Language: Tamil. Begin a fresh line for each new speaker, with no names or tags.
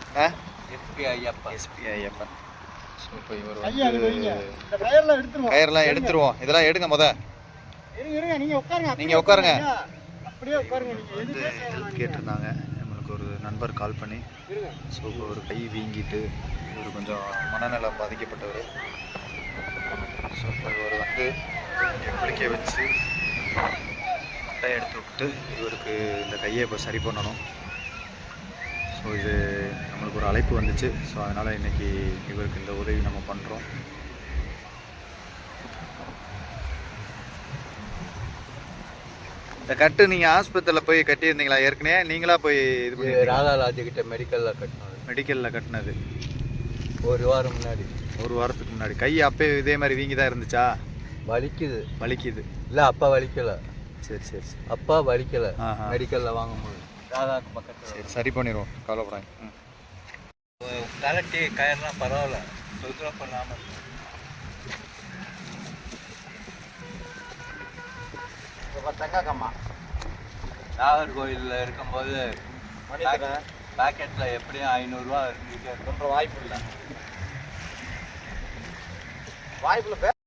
எஸ்பி ஐயப்பன். ஸோ இப்போ இவர் கயிறெல்லாம் எடுத்துருவோம். இதெல்லாம் எடுங்க நீங்கள் உட்காருங்க. வந்து ஹெல்ப் கேட்டிருந்தாங்க நம்மளுக்கு ஒரு நண்பர் கால் பண்ணி. ஸோ இப்போ ஒரு கை வீங்கிட்டு இவர் கொஞ்சம் மனநலம் பாதிக்கப்பட்டவர். ஸோ இப்போ இவர் வந்து இங்கே குளிக்க வச்சு மட்டை எடுத்து விட்டு இவருக்கு இந்த கையை இப்போ சரி பண்ணணும். ஸோ இது நம்மளுக்கு ஒரு அழைப்பு வந்துச்சு. ஸோ அதனால் இன்றைக்கி இவருக்கு இந்த உதவி நம்ம பண்ணுறோம். இந்த கட்டு நீங்கள் ஆஸ்பத்திரியில் போய் கட்டியிருந்தீங்களா ஏற்கனவே? நீங்களா போய் இது பண்ணி
ராதாலாஜிக்கிட்ட மெடிக்கலில் கட்டினது
ஒரு வாரம் முன்னாடி,
ஒரு வாரத்துக்கு முன்னாடி. கை அப்போ இதே மாதிரி வீங்கி தான் இருந்துச்சா?
வலிக்குது
இல்லை அப்பா வலிக்கலை.
சரி சரி சரி.
அப்பா வலிக்கலை, மெடிக்கலில் வாங்கும்போது
ராதாக்கு பக்கத்தில்.
சரி சரி பண்ணிடுவோம், கவலைப்படாங்க.
கலட்டி கயிறுலாம் பரவாயில்ல, தொந்தரவு பண்ணாமல். தங்கக்கம்மா நாகர்கோவிலில் இருக்கும்போது பேக்கெட்டில் எப்படியும் 500 ரூபா இருந்துச்சு. வாய்ப்பு இல்லை.